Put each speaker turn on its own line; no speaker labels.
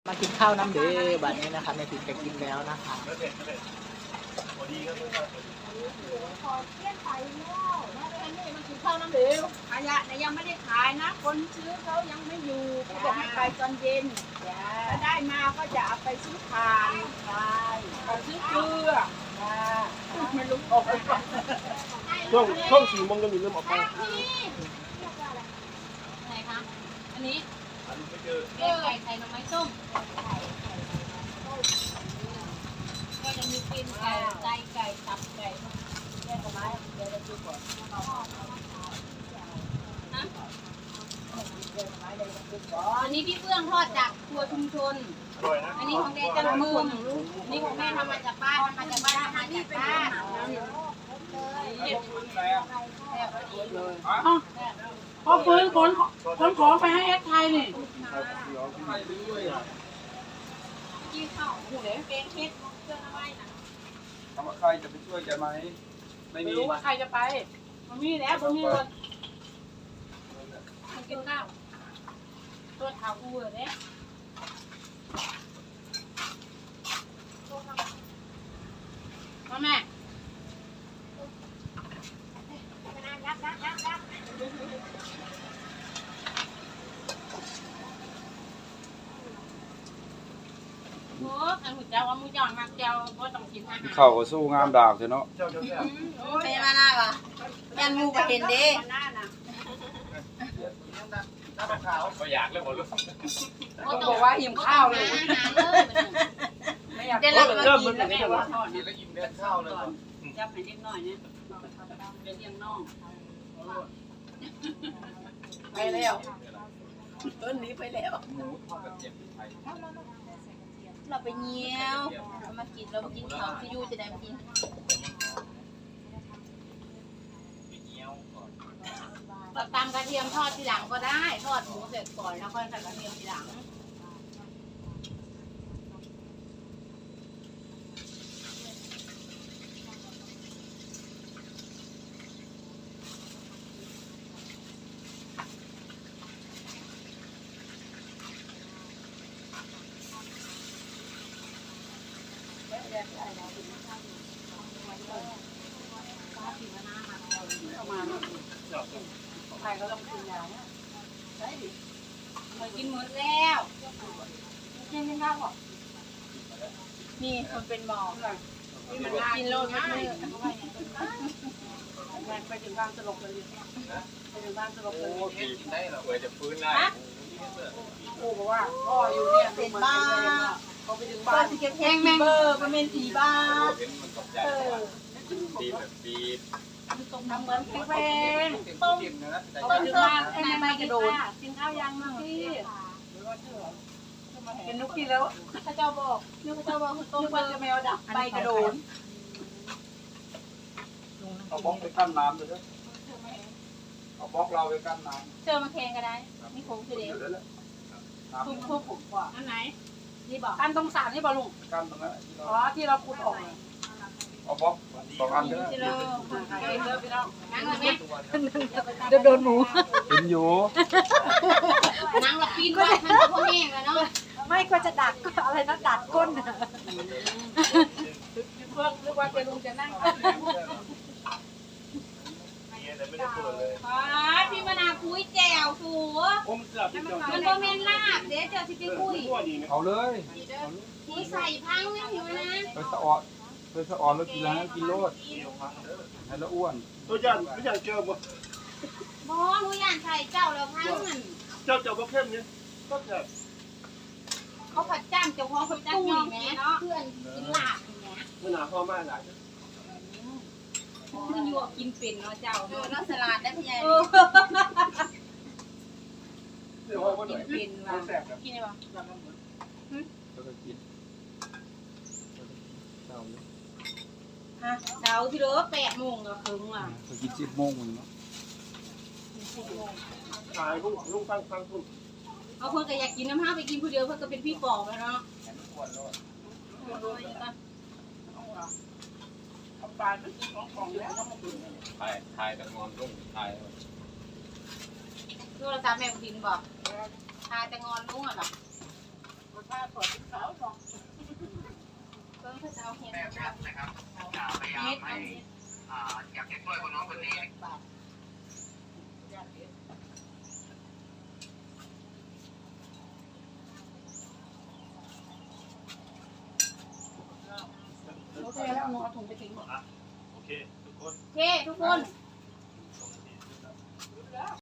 มากินข้าวน้ำเดือบัดนี้นะคะแม่ถินจะกินแล้วนะคะ
ข้าวน้ำเดือขยะเนี่ยยังไม่ได้ขายนะคนซื้อเขายังไม่อยู่เขาบอกให้ไปตอนเย็นถ้าได้มาก็จะเอาไปซื้อถ่านกับซื้อเกลือไม่รู้ออกไปก่อน
ช่วง4 โมงจะมีเริ่มออกไป
ไหนคะอันนี้แกงไก่ไข่หน่อไม้ส้มก็จะมีปีนไก่ไก่ไก่ตับไก่แกงหน่อไม้เดี๋ยวเราดูก่อนอันนี้พี่เฟื่องทอดจากครัวชุมชนอันนี้ของเดจังมือนี่ของแม่ทำมาจากบ้านทำมาจากบ้านทำมาจากบ้าน
พอฟื้นขนของไปให้แอดไทยนี่
กี่ข้าวหูเลยเป็นเค็ดเครื่องอะไรนะ
ถามว่าใครจะไปช่วยแกไหมไม่มี
รู้ว่าใครจะไปมันมีแล้วมันมีเลย
มันกินข้าวตัวเท้าอูเลยมาแม่โอ้ขันหุ่นเจ้าว่ามูจอนมากเจ้าก็ต้องกินอาหาร
เข่าก็สู้งามดากเนาะ
ไม่มาหน้าปะยันมูก็เห็นดิ
ก็อยากเลยหมดลูก
เขาบอกว่าหิมข้าวเลยไม่อยากเริ่มมันเป็นยังไงวะ
กินแล้วอิ่มเดินข้าวเลย
จับให้เล็กน้อยเนี่ยเป็นยังน้อง
ไปแล้วต้นนี้ไปแล้ว
หมูทอดกระเทียมพริกไทย
เราไปเงี้ยวเรามากินเรามากินข้าวที่ยูจะได้มากินเราตำกระเทียมทอดทีหลังก็ได้ทอดหมูเสร็จก่อนแล้วค่อยใส่กระเทียมทีหลัง
ใครก็ต้องกินยาเนี่ยใช่ดิ
เรากินหมดแล้ว
กินไม่ได้หรอก
นี่คนเป็นหมอ
นี่มันกินโลดไม่ไปถึงบ้านสลบเลยไปถึงบ้านสลบเลย
โอ้กินได้เหรอเผื่อจะฟื้นได้
โอ้บอกว่าพ่ออยู่เนี่ยเป็นบ้าเขาไปถึงบ้านแห้งแมงเบอร์มันเป็นผีบ้า
เห็นมันตกใจตีแบบตี
ทำเหมือนแป้ง
ต้มนะ
ไปถึงบ้านไอ้แม่กระโดดกินข้าวยังมั่งพี่เป็นนุกกินแล้วข้าเจ้าบอกนึกข้าเจ้าบอกต้มปลาแมวดับใบกระโดด
เอาบล็อกไปกั้นน้ำเลยเอาบล็อกเราไปกั้นน้
เจอมาแข่งก็ได้นี่คงคือเด็ก
ำ
ทุกผมกว่า
อันไหนนี่บอก
กันตรงสารนี่บอลุง
กั้นตรงนั้น
อ๋อที่เราขุดออก
เอาบล็อก2 อันก็ได้
จิโร่
เลิกไปแล้ว
นั่งเลยไหม
จะโดนหมู
เห็นอยู่
นั่งหลับปีนว่ามันจะพอแห้งแล้วเนาะ
ไม่ก็จะดัดก็อะไรนะดัดก้นเพิ่งนึกว่าจะลุงจะนั่ง
พี่มนาคุยแจวสูมันก็เมนลาบเดี๋ยวเจอสิไปคุย
เอาเลย
คุยใส่พังนะพี่มนา
ไปสะออนแล้วกินแล้วกินโลดให้แล้วอ้วน
ตัวยันไม่อยากเจอบ่
บอหนูอยากใส่เจ้าแล้วพังมัน
เจ้าบ่เข้มเนี่ยก็จะ
เขาผัดจ้ำเจ้าของผัดจ้ำยอมแม่เพื่อนกินลาบอย่างเงี้ย
มันหนาพ่อมากหลาย
มันอยู่กินเป็นเนาะเจ้าเนาะสลัดได้พี่ใหญ่
เดี๋ยวว่า
กินเป็นว่ะกินได้ป่ะ
แล้วก็กิน
เช้าที่เหลือ8 โมงก็ครึ่งว่ะ
ก็กิน10 โมงเนาะ
ขายลุงฟังคุณ
เอาเพื่อนก็อยากกินน้ำห้าไปกินผู้เดียวเพื่อนก็เป็นพี่ปอบแล้วเนาะ
ปลาไม่กินของแล้ว
ทายแต่งอนรุ่งทาย
โทรศัพท์แม่กินบอกทายแต่งอนลุงอ่ะหรอ
โทรผ้าขอดขาวหน่อย
เพิ่งเขาจะเอาเห็ด
แม่แพทย์นะครับพยายามให้อยากจะช่วยคนน้องคนนี้
โอเคแล้วนอนถุงไปทิ้งหมด
โอเคทุกคน
โอเคทุกคน